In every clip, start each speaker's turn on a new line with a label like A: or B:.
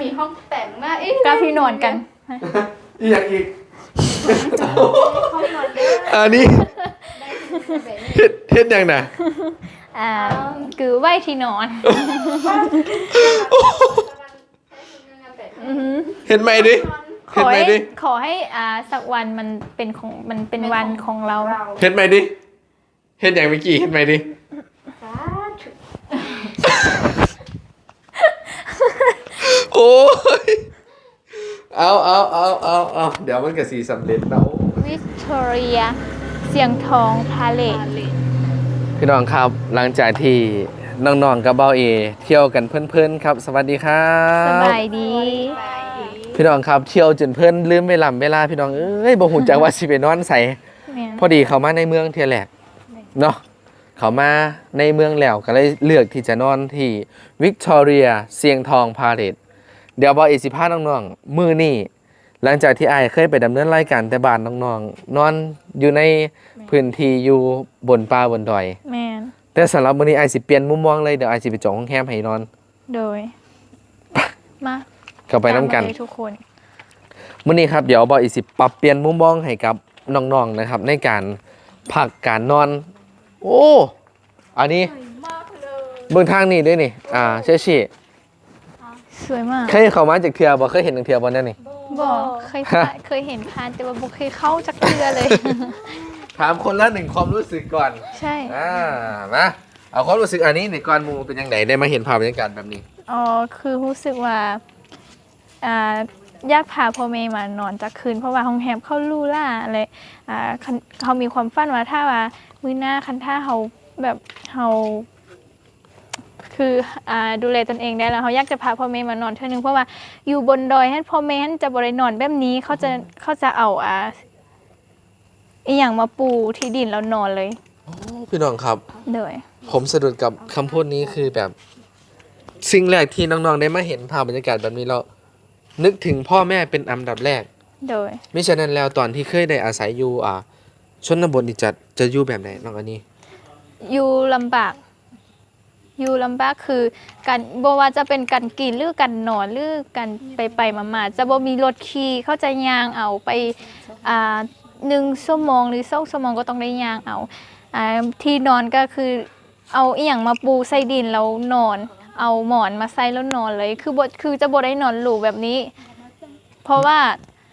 A: มีห้องแต่งมาก
B: กับที่นอนกัน
C: อีกอย่างอีก
A: ห้องนอนเด้อ
C: อันนี้เฮ็ดยังน่ะ
B: คือไหวที่นอน
C: เห็นไหมดิ
B: ข
C: เห็น
B: อ
C: ไหม
B: ให้
C: ดิ
B: ขอให้สักวันมันเป็นวันของเรา
C: เห็นไหมดิเห็นอย่างเมื่อกี้เห็นไหมดิโอ้ยเอาเดี๋ยวมันก็สีสำเร็จแล้ว
B: วิกตอเรียเสียงทองพาเลท
C: พี่น้องครับหลังจากที่น้องๆกับเบาเอเที่ยวกันเพลินๆครับสวัสดีครับ
B: สบายดี
C: พี่น้องครับเที่ยวจนเพิ่นลืมเวลาพี่น้องเอ้ยบ่ฮู้จักว่าสิไปนอนไส
B: แม่น
C: พอดีเขามาในเมืองเที่ยแรกเนาะเขามาในเมืองแล้วก็เลยเลือกที่จะนอนที่วิกตอเรียเสียงทองพาเลทเดี๋ยวบ่อีสิพาน้องๆมื้อนี้หลังจากที่อ้ายเคยไปดำเนินรายการแต่บ้านน้องๆนอนอยู่ในพื้นที่อยู่บนป่าบนดอย
B: แม่น
C: แต่สำหรับมื้อนี้อ้ายสิเปลี่ยนมุมมองเลยเดี๋ยวอ้ายสิไปจองโรงแรมให้นอน
B: โดยมา
C: เข้าไปนํกัน
B: ตามมาเลยทุกคน
C: มื้อนี้ครับเดี๋ยวบอยอีสิปรับเปลี่ยนมุมมองให้กับน้องๆนะครับในการพักการนอนโอ้อันนี้เบื้องทางนี้ด้วยนี่เชื่อชี่
B: สวยมาก
C: เคยเข้ามาจากเทือบ่เคยเห็นจากเทือบ่นั่นนี่
B: บอกเคยเห็นผ่านแต่ว่าบ่เคยเข้าจักเทือเลย
C: ถามคนละหนึ่งความรู้สึกก่อน
B: ใช่
C: มาเอาความรู้สึกอันนี้ในก่อนหมู่เป็นยังไงได้มาเห็นภาพบรรยากาศแบบนี้
B: อ๋อคือรู้สึกว่าอยากพาพ่อแม่มานอนจักคืนเพราะว่าห้องแฮมเข้าลู่ล่าอะไรเขามีความฝันว่าถ้าว่ามื้อหน้าคันถ้าเขาแบบเขาคือดูแลตนเองได้แล้วเขาอยากจะพาพ่อแม่มานอนเท่านึงเพราะว่าอยู่บนดอยให้พ่อแม่จะบริโนอนแบบนี้เขาจะเอาอีหยังมาปูที่ดินแล้วนอนเลย
C: โอ้พี่น้องครับ
B: โดย
C: ผมสะดุดกับคำพูดนี้คือแบบสิ่งแรกที่น้องๆได้มาเห็นภาพบรรยากาศแบบนี้เรานึกถึงพ่อแม่เป็นอันดับแรก
B: โดย
C: มิฉะนั้นแล้วตอนที่เคยได้อาศัยอยู่ชนบทนี่จะอยู่แบบไหนน้องอันนี้
B: อยู่ลำบากคือการบ่ว่าจะเป็นการกินหรือการนอนหรือการไปมาจะบ่มีรถขี่เขาจะย่างเอาไป1 ชั่วโมงหรือ2 ชั่วโมงก็ต้องได้ย่างเอาที่นอนก็คือเอาอีหยังมาปูใส่ดินแล้วนอน เอาหมอนมาใส่แล้วนอนเลยคือจะบ่ได้นอนหรูแบบนี้ เพราะว่า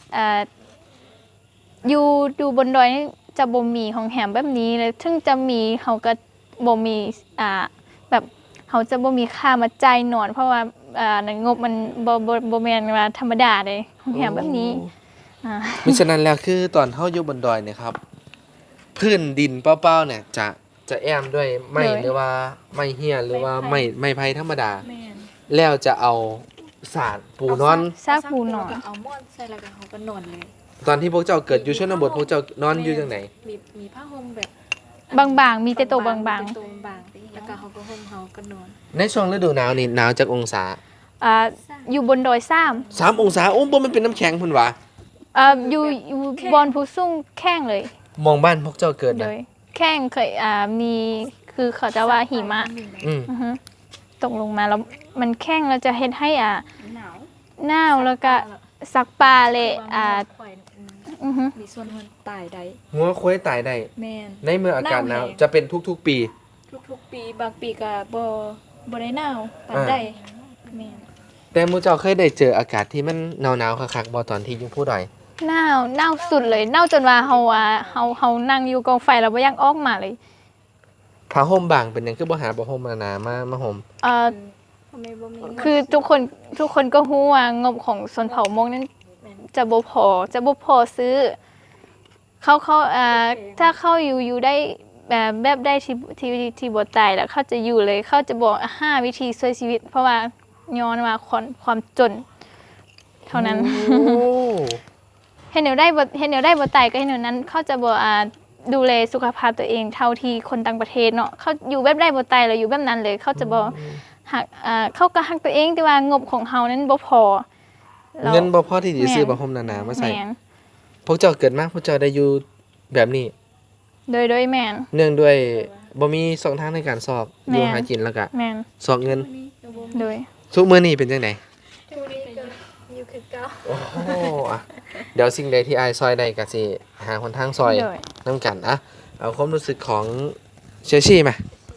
B: อยู่บนดอยนี่จะบ่มีห้องแหมแบบนี้เลยถึงจะมีเขาก็บ่มีแบบเขาจะบ่มีค่ามาจ่ายนอน เพราะว่าในงบมันบ่แม่นว่าธรรมดาเลยห้องแหมแบบนี้
C: มิฉะนั้นแล้วคือตอนเฮาอยู่บนดอยเนี่ยครับพื้นดินเปล่าๆเนี่ยจะแอมด้วยไม้หรือว่าไม้เหี้ยหรือว่าไม้ไผ่ธรรมดาแล้วจะเอาสาดปูนอน
B: ซากปูนอน
A: เอาหม้อนใส่แล้วก็เขาก็นอนเลย
C: ตอนที่พวกเจ้าเกิดอยู่ชนบทพวกเจ้านอนอยู่จังไหน
A: มีผ้าห่มแบบ
B: บางๆมีแต่ตัวบาง
A: เป็นตัวบางแล้วก็เขาก็ห่มเขาก็นอน
C: ในช่วงฤดูหนาวนี่หนาวจักองศา
B: ๆอยู่บนดอยซ้ำ
C: 3องศาโอ้บ่มันเป็นน้ำแข็งพุ่นวะ
B: อยู่บอนผู้สูงแข้งเลย
C: มองบ้านพวกเจ้าเกิด
B: โด
C: นะ
B: ยแข้งเคยมีคือเขาจะว่าหิมะ
C: อืม
B: อือฮึตกลงมาแล้วมันแข้งเราจะเฮ็ดให้
A: หนาว
B: หนาวแล้วก็สักปลาเลยอือฮึ
A: มีส่วนมันตายได้
C: งัวควายตายได้
A: แมน
C: ในเมื่ออากาศหนาว
A: หนาวแห้ง
C: จะเป็นทุกๆปี
A: ทุกๆปีบางปีก็บ่ได้หนาวปานใดแมน
C: แต่หมู่เจ้าเคยได้เจออากาศที่มันหนาวๆคักๆบ่ตอนที่อยู่ผู้ดอย
B: หนาวสุดเลยหนาวจนว่าเฮานั่งอยู่กองไฟแล้วบ่อยากออกมาเลย
C: ผ้าห่มบางเป็นหยังคือบ่หาผ้าห่มหนาๆมาห่ม
A: ทำไมบ่มี
B: คือทุกคนก็รู้ว่างบของชนเผ่ามงนั้นจะบ่พอซื้อเขาถ้าเขาอยู่ได้แบบได้ที่บ่ตายแล้วเขาจะอยู่เลยเขาจะบอก5 วิธีช่วยชีวิต เพราะว่าย้อนว่าความจน เท่านั้น
C: โอ้
B: เห็นแนวได้บ่ตายก็เห็นแนวนั้น เขาจะบ่ดูแลสุขภาพตัวเองเท่าที่คนต่างประเทศเนาะเขาอยู่แบบได้บ่ตายแล้วอยู่แบบนั้นเลย เขาจะบ่หักเขาก็หักตัวเองแต่ว่างบของเฮานั้นบ่พอแล้ว
C: เงินบ่พอที่จะซื้อผ้าห่มหนาๆมาใส่
B: แม่น
C: พวกเจ้าเกิดมาพวกเจ้าได้อยู่แบบนี้
B: โดยแม่น
C: เนื่องด้วยบ่มีช่องทางในการสอบอยู่
B: แม่น
C: หากินแล้วก็
B: แม่น
C: สอบเงิน
B: โดย
C: ทุกมื้อนี้เป็นจังได๋
A: ทุกนี้ก็จ้า
C: โอ้โหอ่ะเดี๋ยวสิ่งใดที่อายซอยใดก็สิหาคนทางซอย
B: โดย
C: น้ำกันอะเอาความรู้สึกของเชอชี่มา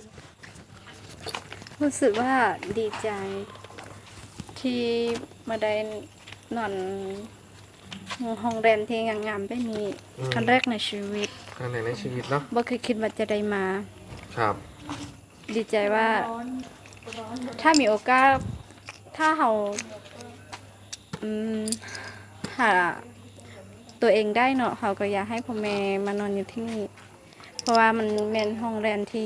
D: รู้สึกว่าดีใจที่มาได้นอนห้องแรมที่งามๆได้มีครั้งแรกในชีวิต
C: ครั้งไหนในชีวิตเนาะ
D: บ่เคยคิดว่าจะได้มา
C: ครับ
D: ดีใจว่า ถ้ามีโอกาสถ้าเราอืมหาตัวเองได้เนาะเขาก็อยากให้พ่อแม่มานอนอยู่ที่นี่ เพราะว่ามันเป็นห้องแรมที่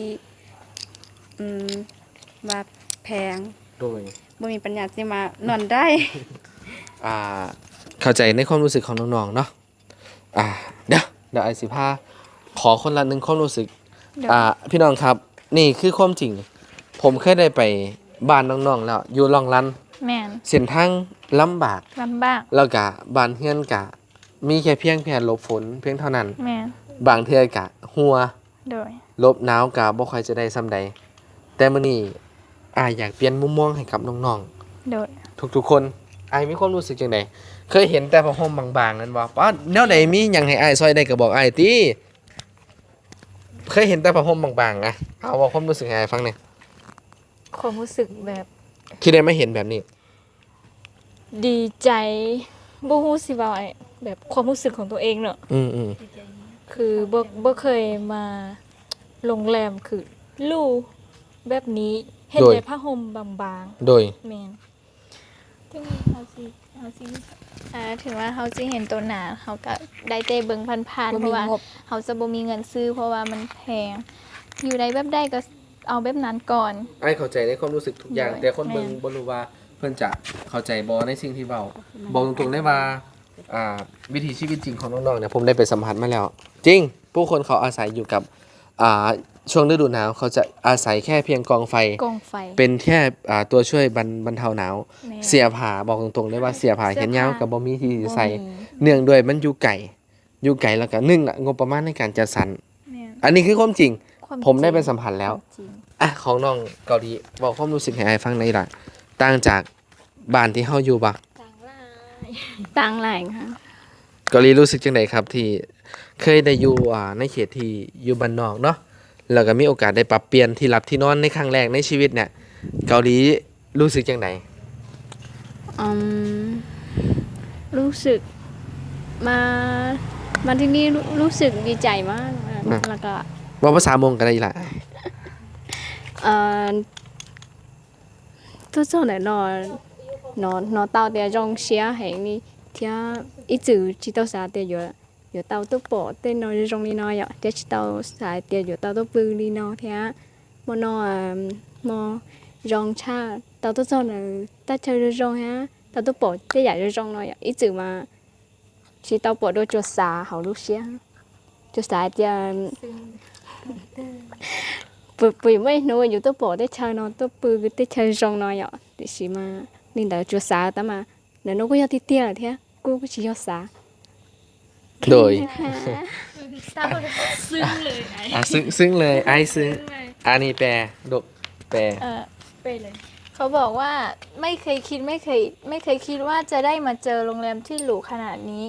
D: ว่าแพง
C: โดย
D: บ่มีปัญญาที่มานอนได้
C: อ่าเข้าใจในความรู้สึกของน้องๆเนาะเดี๋ยวไอสิพาขอคนละหนึ่งความรู้สึก
B: เดี๋ยว
C: พี่น้องครับนี่คือความจริง ผมเคยได้ไปบ้านน้องๆแล้วอยู่ลองลัน
B: แม่น
C: เส้นทางลำบาก
B: ลำบาก
C: แล้วก็บ้านเฮือนกะมีแค่เพียงหลบฝนเพียงเท่านั้น
B: แม่น
C: บางเทื่อกะหัว
B: โดย
C: ลบหนาวกะบ่ค่อยจะได้ซ้ำใดแต่มื้อนี้อยากเปลี่ยนมุมมองให้กับน้อง
B: โดย
C: ๆทุกๆคนมีความรู้สึกจังไดเคยเห็นแต่ผ้าห่มบางๆนั่นบ่ป้าแนวใดมีหยังให้ซอยได้ก็บอกติเคยเห็นแต่ผ้าห่มบางๆเอาว่าความรู้สึกให้ฟังหน่อย
A: ความรู้สึกแบบ
C: ที่ได้มาเห็นแบบนี้
A: ดีใจบ่ฮู้สิว่าแบบความรู้สึกของตัวเองเนาะ
C: อืม
A: คือบ่เคยมาโรงแรมคือลู่แบบนี้เห็นแต่ผ้าห่มบาง
C: โดย
A: ๆแม่น
B: ถึงเขาสิถึงว่าเขาสิเห็นตัวหนาเขาก็ได้แต่เบิ่งผ่านๆเพราะว่าเขาจะบ่มีเงินซื้อเพราะว่ามันแพง อยู่ในแบบใดก็เอาแบบนั้นก่อน
C: เข้าใจในความรู้สึกทุกอย่าง
B: โดย
C: แต่คนเบิ่งบ่รู้ว่าเพิ่นจะเข้าใจบ่ในสิ่งที่เว้าบอกตรงๆได้ว่าวิถีชีวิตจริงของน้องๆเนี่ยผมได้ไปสัมผัสมาแล้ว จริง ผู้คนเขาอาศัยอยู่กับช่วงฤดูหนาวเขาจะอาศัยแค่เพียงกองไฟ
A: กองไฟ
C: เป็นแค่ตัวช่วยบรรเทาหนาว
A: แม่
C: เสียผ้าบอกตรงๆได้ว่าเสียผ้าแขนยาวกับบ่มีที่สิใส่
A: บ่มี
C: เนื่องด้วยมันอยู่ไกลแล้วก็1งบประมาณในการจัดสรร
A: แม่น
C: อันนี้คือความจริง
A: ความ
C: ผมได้ไป
A: จริง
C: สัมผัสแล้ว
A: จริง
C: ของน้องเกาหลีบอกความรู้สึกให้อ้ายฟังหน่อยล่ะต่างจากบ้านที่เฮาอยู่บ่
D: ต่างหลายค่ะ
C: เกาหลีรู้สึกจังไดครับที่เคยได้อยู่ในเขตที่อยู่บ้านนอกเนาะแล้วก็มีโอกาสได้ปรับเปลี่ยนที่หลับที่นอนในครั้งแรกในชีวิตเนี่ยเกาหลีรู้สึกจังได
D: รู้สึกมามาที่นี่รู้สึกดีใจมากแล้วก็
C: ว่าภาษามงกันได้ล่ะ
D: tôi cho này nó tao để trong xe hành đi thì ít chữ chỉ tao xài tiền rồi tao tôi bỏ tên nó trong đi nó vậy để tao xài tiền rồi tao tôi bự đi nó thì mà nó mà trong cha tao tôi cho này tao chơi trong ha tao tôi bỏ cái giải trong nó vậy ít chữ mà chỉ tao bỏ đôi cho xài hậu lúc xe cho xài tiền bởi mấy nơiอยู่ตัวปอได้เชิญนอนตัวปืนได้เชิญจงนอนอ่ะแต่สิมานี่แต่จัวสาแต่มาเดี๋ยวน้องก็ยอดที่เตี้ยเท่ากูก็ชิยอดสา
C: โดย
A: ซึ้งเลยไอ้
C: ซึ้งเลยไอ้ซึ้งอันนี้แปลดกแปล
A: ไปเลย
B: เขาบอกว่าไม่เคยคิดไม่เคยคิดว่าจะได้มาเจอโรงแรมที่หรูขนาดนี้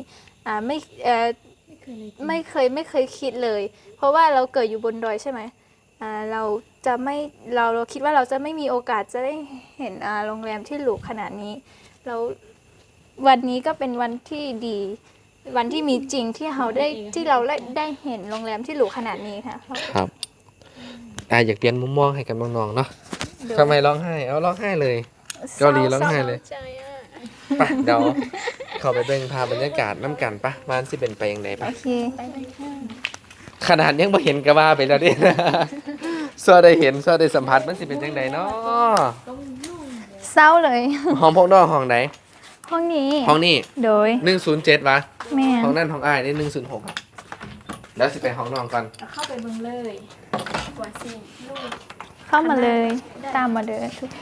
B: ไม่เคยคิดเลย เพราะว่าเราเกิดอยู่บนดอยใช่ไหมเราจะไม่เราคิดว่าเราจะไม่มีโอกาสจะได้เห็นโรงแรมที่หรูขนาดนี้แล้ววันนี้ก็เป็นวันที่ดี วันที่มีจริงที่เราได้เห็นโรงแรมที่หรูขนาดนี้ค่ะ
C: ครับอยากเปลี่ยนมุมมองให้กับน้องๆเนาะทำไมร้องไห้เอาร้องไห้เลย เกาหลีร้องไห้เลย ไปเดี๋ยวเข้าไปเบิ่งภาพบรรยากาศน้ำกันปะมันสิเป็นไปยังไงปะ
B: โอเค
C: ขนาดยังบ่เห็นก็ว่าไปแล้วดิ ซัวได้เห็นซัวได้สัมผัสมันสิเป็นจังไดเนาะ
B: เศร้าเลย
C: ห้องพวกน้องห้องไหน
B: ห้องนี้
C: ห้องนี้
B: โดย
C: 107วะ
B: แม่
C: ห้องนั่นห้องอ้ายนี่106แล้วสิไปห้องน้องก่อน
A: เข้าไปเบิ่งเลยกว่าสิ
B: เข้ามาเลยตามมาเลยทุกคน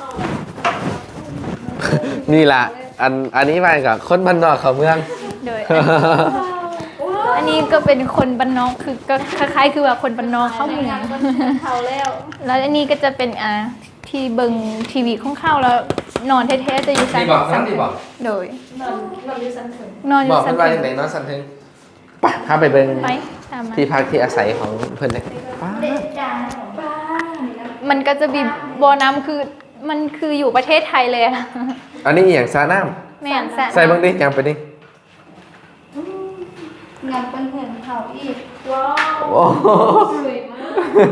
C: นี่ล่ะอันนี้มากับคนบ้านนอกเขาเมือง
B: โดย อันนี้ก็เป็นคนบ้านนอกคือก็คล้ายๆคือว่าคนบ้านนอกเข้าเมือง
A: เขาแล้ว
B: แล้วอันนี้ก็จะเป็นที่เบิ่งทีวีของเข้าแล้วนอนแท้ๆจะอยู่ชั้น
C: ดีบอกนั่นดีบอก
B: โดย
A: นอนอยู่ชั้นถึง
B: นอนอบ
C: อยู่ ก
B: ชั้
C: เพื่
B: น
C: อนว่าอย่างไรเนาะสันทึงไปพาไปเบิ่ง
B: ไปตามมา
C: ที่พักที่อาศัยของเพื่อนเลยป้า
B: มันก็จะมีบ่อน้ำคือมันคืออยู่ประเทศไทยเลยอะ
C: อันนี้อหย่างซาน้
B: แม่นสระ
C: ำใส่เบิ่งดิยังไปดิ
E: งานเป็นเห็นเขาอีก
A: ว้าว
C: โอ้โห
A: สวยมาก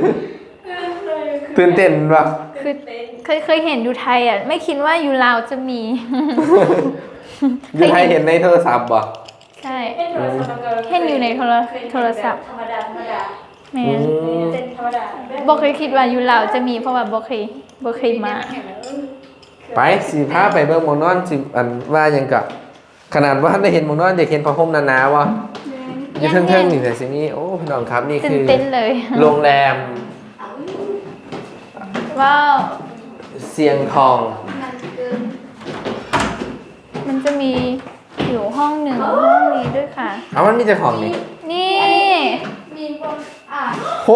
C: ตื่นเต้นป่ะ
B: คือเคยเห็นอยู่ไทยอ่ะไม่คิดว่าอยู่ลาวจะมี
C: อยู่ไทยเห็นในโทรศัพท์ป่ะ
B: ใช่
A: เห็นโทรศัพท์มันก็
B: เห็นอยู่ในโทรศัพท์
A: ธรรมดา
B: แม่
C: อื
B: น
C: ม
A: เป็นธรรมดา
B: บ่เคยคิดว่าอยู่ลาวจะมีเพราะว่าบ่เคยมา
C: ไปสิพาไปเบิ่งหมองนอนสิอันว่าหยังกะขนาดว่าได้เห็นหมองนอนอยากเห็นผ้าห่มหนาๆวะอยู่เทิงๆนี่แต่สินี่โอ้พี่น้องครับนี่
B: ตื่
C: คื
B: น
C: อ
B: เต้นเลย
C: โรงแรม
B: ว้าว
C: เสียงทอง
B: มันจะมีอยู่ห้องหนึ่งห้องนี้ด้วยค่ะ
C: เอามันมีเจ้าของนี่
B: นี่
E: มีคนน
C: โห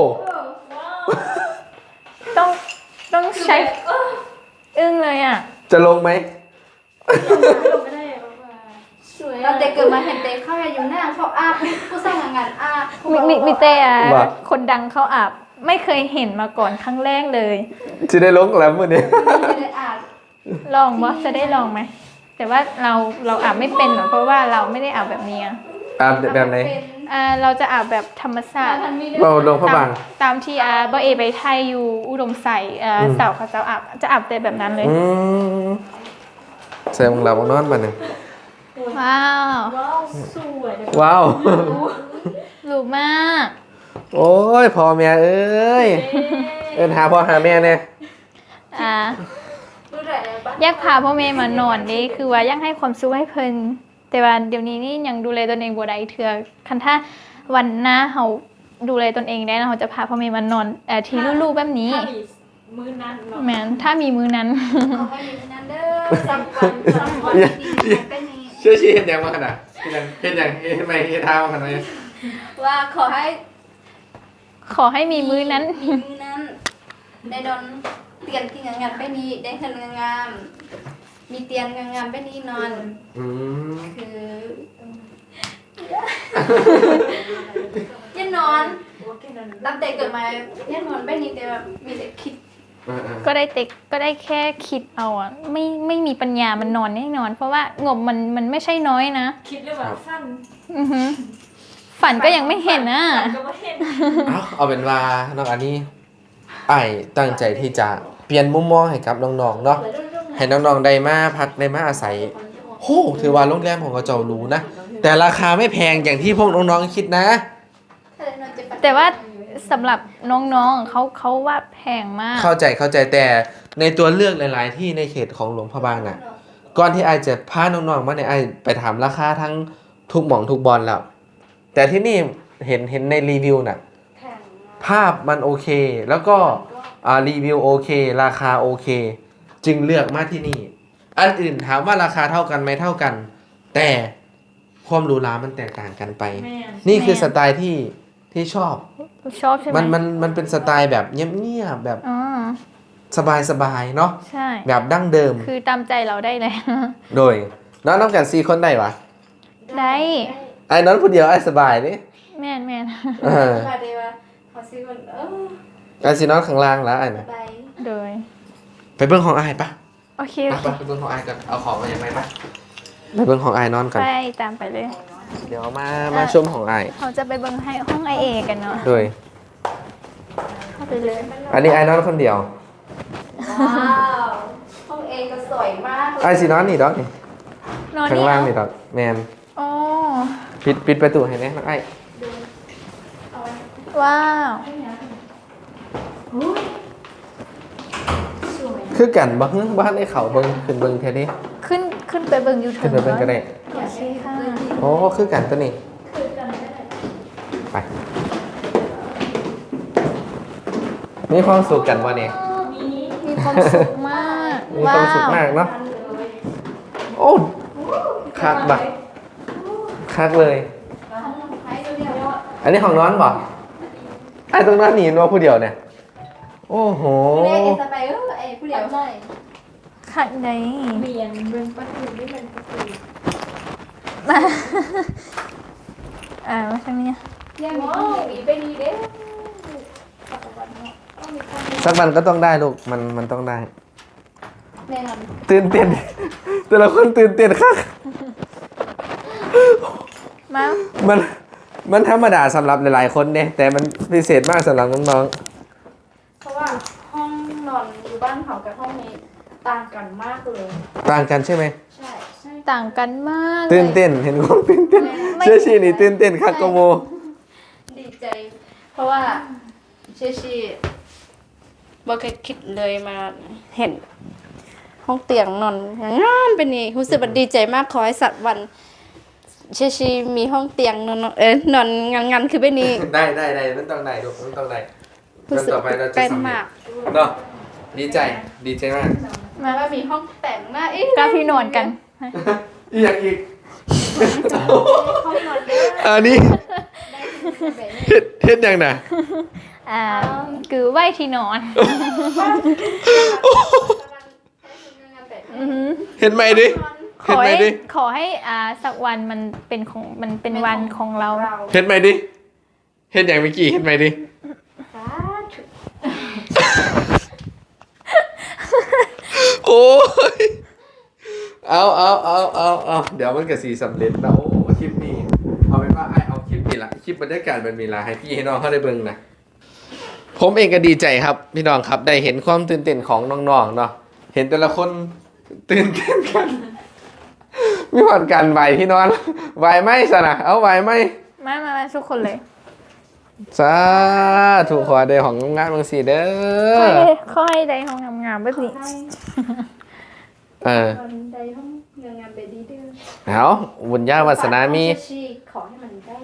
B: ต้องใช้อึ้งเลยอ่ะ
C: จะลงไหม
A: ไม่ได้แบบว่า
E: สวยเราเด็กเกิดมาเห็นเด็กเข้าอยู่หน้าเขาอาบผู้สร้างงานอาบ
B: มีแต่คนดังเขาอาบไม่เคยเห็นมาก่อนครั้งแรกเลย
C: จะได้ลงแล้วมื้อนี้
E: ไม่ได้อาบ
B: ลองวะจะได้ลองไหมแต่ว่าเราอาบไม่เป็นหรอกเพราะว่าเราไม่ได้อาบแบบนี้อะ
C: อาบแบบไหน
B: เราจะอาบแบบธรรมชาติ
C: เราลงพระบาง
B: ตามที่บ่เอไปไทยอยู่อุดมใส่สาวเขาจะอาบแต่แบบนั้นเลย
C: อืมใส่หมองเราหมองนอนบัดนึง
B: ว้าว
A: ว้าวสวยเลย
C: ว้าว
B: หรูมาก
C: โอ้ยพ่อแม่เอ้ยเอิ้นหาพ่อหาแม่แน่
E: รู้ได้เลยบ้าน
B: อยากพาพ่อแม่มานอนนี่คือว่าอยากให้ความสุขให้เพิ่นแต่ว่าเดี๋ยวนี้นี่ยังดูแลตนเองบ่ได้เทื่อคันถ้าวันหน้าเฮาดูแลตนเองได้นะเฮาจะพาพ่อแม่มานอนที่ลู่ๆแบบนี้
A: ถ้ามีมื้อนั้นเนาะ
B: แม่นถ้ามีมื้อนั้น
E: ขอให้มีนั้นเด้อสักวันดีๆเป็นนี้
C: เชื่อชี้เห็นยังมาขนาดเห็นยังเห็นไหมเห็นเท้าขนาดไหน
E: ว่าขอให้
B: ขอให้มีมื้อนั้น
E: มีนั้นได้โดนเตียนที่งานไปนี้ได้เงินงามมีเตียนงามไปนี้นอน
C: อืม
E: คือยันนอนตั้งแต่เกิดมายันนอนไปนี้แต่แบบมีแต่คิด
B: ก็ได้แค่คิดเอาอ่ะไม่มีปัญญามันนอนแน่นอน เพราะว่างบมันไม่ใช่น้อยนะ
A: คิดเรื่องแบบสั้น
B: อือหือฝันก็ยังไม่เห็นนะ
A: ก็ไม่เห็น
C: เอาเป็นว่าน้องอันนี้ไอ้ตั้งใจที่จะเปลี่ยนมุมมองให้กับน้องๆเนาะให้น้องๆได้มาพักได้มาอาศัยโหถือว่าโรงแรมของกระเจ้าหรูนะแต่ราคาไม่แพงอย่างที่พวกน้องๆคิดนะ
B: แต่ว่าสำหรับน้องๆเขาว่าแพงมาก
C: เข้าใจแต่ในตัวเลือกหลาย ๆ ที่ในเขตของหลวงพระบางน่ะก่อนที่ไอจะพาน้องๆมาเนี่ยไอไปถามราคาทั้งทุกหม่องทุกบอลแล้ว แต่ที่นี่เห็นในรีวิวน่ะภาพมันโอเค แล้วก็รีวิวโอเค ราคาโอเค จึงเลือกมาที่นี่ อันอื่นถามว่าราคาเท่ากันไหมเท่ากัน แต่ความหรูหรามันแตกต่างกันไป
A: แม่น
C: นี่คือสไตล์ที่ชอบ
B: ชอบใช่ไหม
C: มันเป็นสไตล์แบบเงียบๆแบบ
B: อ๋อ
C: สบายๆเนาะ
B: ใช่
C: แบบดั้งเดิม
B: คือตามใจเราได้เลย
C: โดยน้องกัน4คนได้ปะ
B: ได้
C: ไอ้น้องผู้เดียวไอ้สบายนี่
B: แม่น
C: เออ
E: มาเดียวขอซื้อคน
C: ไอ้สิน้องข้างล่างแล้วไอ้น่ะ
E: ไป
B: โดย
C: ไปเบิ่งของไอ้ปะ
B: โอเค
C: ไปเบิ่งของไอ้กันเอาของมาอย่างไรปะไปเบิ่งของไอ้นอนกัน
B: ไปตามไปเลย
C: เดี๋ยวมาชมของไอ้
B: เขาจะไปเบิ่งให้ห้องไอเอกันเนาะ
C: โดย
B: เข้าไปเลย
C: อันนี้ไอ้นอนคนเดียว
E: ว้าวห้องเอก็สวยมาก
C: ไอ้สินอนนี่ดอกนี่
B: นอน
C: ข้าง
B: นี่
C: ล่างนี่ดอกแมน
B: อ๋อ
C: ปิดประตูให้แน่น้องไอ้
B: ว้าว
C: คือกันบ่ฮึบ้านไอ้เขาเบิ่งขึ้นเบิ่งแท้นี้
B: ขึ้นไปเบิ่งยูทู
C: ขึ้น
B: บ
C: ไปเบิ่งก็ได้
B: โอเคค่ะ
C: โอ้คือกันตัวนี้ไปมีความสุขกันวะเนี่ย
B: มีความสุขมาก
C: มีความสุขมากเนาะโอ้คักบะคักเลย อันนี้ของน้อนบ่ไอ้ตรงนั้นหนีนัวผู้เดียวเนี่ย โอ้โห
E: เอสไปเอเดียว
B: ขัดไหน
A: เบียนเบิ่งประตูได้มันประตู
B: ว่าทำไมเนี่ย
E: ยังมีไปดีเด้
C: สักวันก็ต้องได้ลูกมันต้องได้
E: แน่นอน
C: ตื่นเต้น แต่ละคนตื่นเต้นค่ะ
B: มา
C: มันธรรมดาสำหรับหลายๆคนเนี่ยแต่มันพิเศษมากสำหรับน้อง
E: เพราะว่าห้องนอนอยู่บ้านเขากับห้องนี้ต่างกันมากเลย
C: ๆต่างกันใช่ไหม
E: ใช่ใช่
B: ต่างกันมาก
C: ตื่นเต้นเห็นความตื่นเต้นเชื่อชีนี่ตื่นเต้นค่ะโกโม
E: ดีใจ เพราะว่าเชชีบ่เคยคิดเลยมาเห็น ห้องเตียงนอนงานเป็นนี่รู้สึกว่าดีใจมากขอให้สักวันเชชีมีห้องเตียงนอนนอนงานคือเป็นนี่
C: ได้มันต้องได้ลูกมันต้องได้
E: รู้สึก
C: ต่อไปเราจะ
E: เป็น
C: สำเร็
E: มา
C: จ
E: ก
C: เนาะดีใจมาก
E: มาว่ามีห้องแต่งหน้า
B: กับพี่นอนกัน
C: อีกอย่างอีก
E: ห้องนอนเยอะ
C: อันนี้เฮ็ดยังน่ะ
B: คือไหวที่นอน
C: เห็นไหมดิ
B: ข
C: เห็น
B: อ
C: ไหม
B: ให้
C: ดิ
B: ขอให้สักวันมันเป็นวันของเรา
C: เห็นไหมดิเห็นอย่างเมื่อกี้เห็นไหมดิโอ้ยเอาเดี๋ยวมันกับสีสำเร็จนะโอ้คลิปนี้เอาเป็นว่าเอาคลิปนี้ละคลิปบรรยากาศมันมีละให้พี่ให้น้องเขาได้เบิ่งนะผมเองก็ดีใจครับพี่น้องครับได้เห็นความตื่นเต้นของน้องๆเนาะเห็นแต่ละคนตื่นเต้นกันมีผ่อนกันไหวพี่นอนไหวไหมสนะเอาไหวไหม
B: มาทุกคนเลย
C: สาถูกขอเดของงานบางสีเด้อ
B: ขอให้ได้ห้องงามๆแบบนี้
C: เออ
E: วันใดห้องงานไปดีเด้อ
C: เอาบุญญาวาสนามี
E: เชชีขอให้มันได้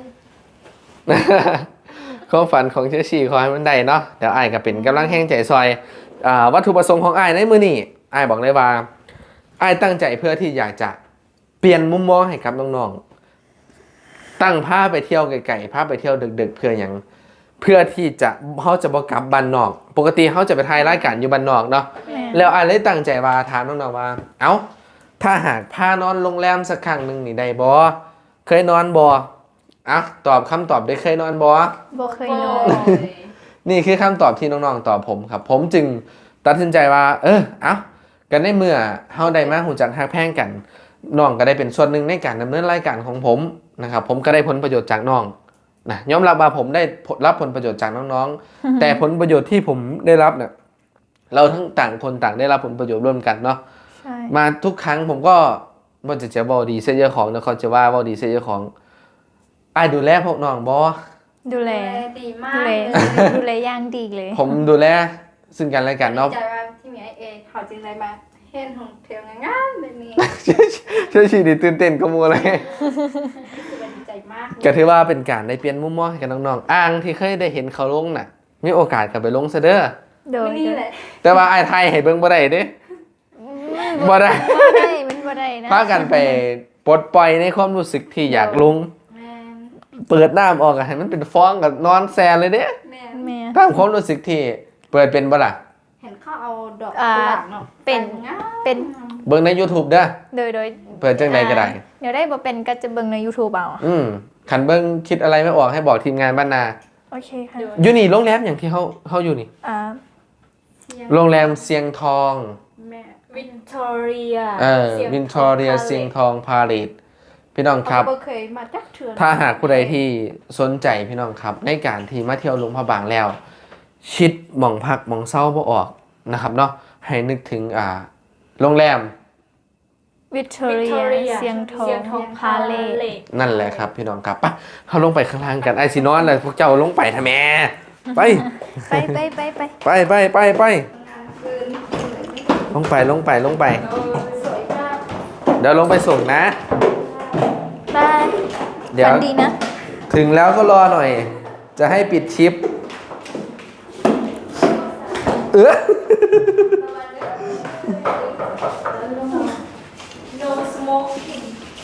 C: ความฝันของเชชีขอให้มันได้เนาะเดี๋ยวอ้ายก็เป็นกำลังแห้งใจซอยวัตถุประสงค์ของอ้ายในมือนี่อ้ายบอกเลยว่าอ้ายตั้งใจเพื่อที่อยากจะเปลี่ยนมุมมองให้กับน้องๆตั้งผ้าไปเที่ยวไกลๆผ้าไปเที่ยวดึกๆเพื่ออย่างเพื่อที่จะเขาจะบอกกลับบ้านนอก ปกติเขาจะไปถ่ายรายการอยู่บ้านนอกเนาะแล้วอ้ายเลยตั้งใจว่าถามน้องๆว่าเอ้าถ้าหากพานอนโรงแรมสักครั้งหนึ่งนี่ได้บ่เคยนอนบ่อ่ะตอบคำตอบได้เคยนอนบ่
B: บ่เคยนอน
C: นี่คือคำตอบที่น้องๆตอบผมครับ ผมจึงตัดสินใจว่า เอากันในเมื่อเฮาได้มาหูจักฮักแพงกันน้องก็ได้เป็นส่วนหนึ่งในการดำเนินรายการของผมนะครับ ผมก็ได้ผลประโยชน์จากน้องนะยอมรับว่าผมได้รับผลประโยชน์จากน้องๆ แต่ผลประโยชน์ที่ผมได้รับเนี่ยเราทั้งต่างคนต่างได้รับผลประโยชน์ร่วมกันเนาะ
B: ใช่
C: มาทุกครั้งผมก็บ่จะบอกดีเสียเยอะของนะเขาจะว่าบอกดีเสียเยอะของอ้ายดูแลพวกน้องบ่
B: ดูแล
E: ดีมา
B: ดู
E: ก
B: แล
E: เลย
B: ดูแลอย่างดีเลย
C: ผมดูแลซึ่งกันและกันเนาะ
E: ดีใจว่าที่มีไอเอเขาจึงได้มาเห็นของเทียวงามๆแบบนี้
C: ช่วยชีดีตื่นเต้นก็มัวเลย
E: รู้สึกว่าดีใจมาก
C: ก็ถือว่าเป็นการได้เปลี่ยนมุมมองให้กับน้องๆอ่างที่เคยได้เห็นเขาลงน่ะ มีโอกาสกลับไปลงซะเด้อ
B: โดย
E: นี่แหละ
C: แต่ว่าไอ้ไทยให้เบิ่งบ่ได้เด้บ่ได้
B: มันบ่ได้นะ
C: พากันไปปลดปล่อยในความรู้สึกที่อยากลง
E: แม่น
C: เปิดน้ำออกอะให้มันเป็นฟองกับนอนแซนเลยเด้
E: แม่น
B: แม่
C: ตามความรู้สึกที่เปิดเป็นบ่ล่ะ
E: เห็นเขาเอาดอกกุหลาบเนาะ
B: เป็น
E: งาม
B: เป็น
C: เบิ่งใน YouTube เด้อ
B: โดย
C: เปิดจังใดก็ได้
B: เดี๋ยวได้บ่เป็นก็จะเบิ่งใน YouTube เอา
C: คันเบิ่งคิดอะไรไม่ออกให้บอกทีมงานบ้านนา
B: โอเคค่ะ
C: อยู่นี่โรงแรมอย่างที่เฮาอยู่นี่
E: เสียง
C: โรงแรมเสียงทอง
E: แม่
A: วินทอเรีย
C: วินทอเรียเสียงทองพาเลทพี่น้องครับ
E: เขาเคยมาจักเถื่อน
C: ถ้าหากผู้ใดที่สนใจพี่น้องครับ ในการที่มาเที่ยวหลวงพระบางแล้ว ชิดหม่องพักหม่องเศร้าบ่ออกนะครับเนาะให้นึกถึงโรงแรม
B: วิทอเรียเสียงทองพาเลท
C: นั่นแหละครับพี่น้องครับไปเขาลงไปข้างล่างกันไอซีนอนเลยพวกเจ้าลงไปทำแม่ไป
B: ไป
C: ไปลงไป
E: สวยมาก
C: เดี๋ยวลงไปส่งนะ
B: บาย
C: เดี๋ยว
B: ฝันดีนะ
C: ถึงแล้วก็รอหน่อย จะให้ปิดชิป
A: no smoking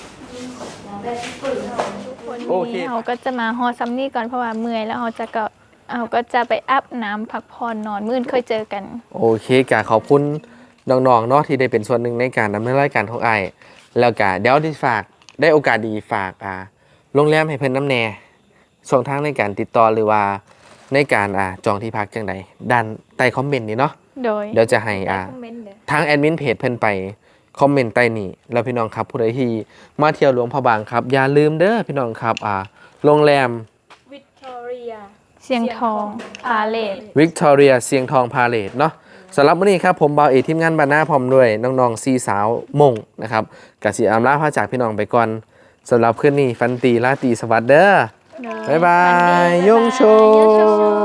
C: โอเค
B: เราก็จะมาฮอซัมนี่ก่อนเพราะว่าเมื่อยแล้วเราก็จะไปอาบน้ำพักผ่อนนอนมื้ออื่นค่อยเจอกัน
C: โอเคกะขอบคุณน้องๆเนาะที่ได้เป็นส่วนหนึ่งในการดำเนินรายการของไอ้ายแล้วก็เดี๋ยวที่ฝากได้โอกาสดีฝากโรงแรมให้เพิ่นน้ำแน่ช่องทางในการติดต่อหรือว่าในการจองที่พักจังใดด้านใต้คอมเมนต์นี่เนาะ
B: โดย
C: เดี๋ยวจะให้
A: คอมเมนต์เด้อ
C: ทางแอดมินเพจเพิ่นไปคอมเมนต์ใต้นี้แล้วพี่น้องครับผู้ใดที่มาเที่ยวหลวงพระบางครับอย่าลืมเด้อพี่น้องครับโรงแรม
A: วิกตอเรีย
B: เสียงทองพาเลท
C: วิกตอเรียเสียงทองพาเลทเนาะสำหรับมื้อนี้ครับผมบ่าวเอกทีมงานบ้านหน้าพร้อมด้วยน้องๆ4สาวมงนะครับกสิอำลาพาจากพี่น้องไปก่อนสำหรับคืนนี้ฟันตีราตรีสวัสดิ์เด้อบ๊ายบายยงโช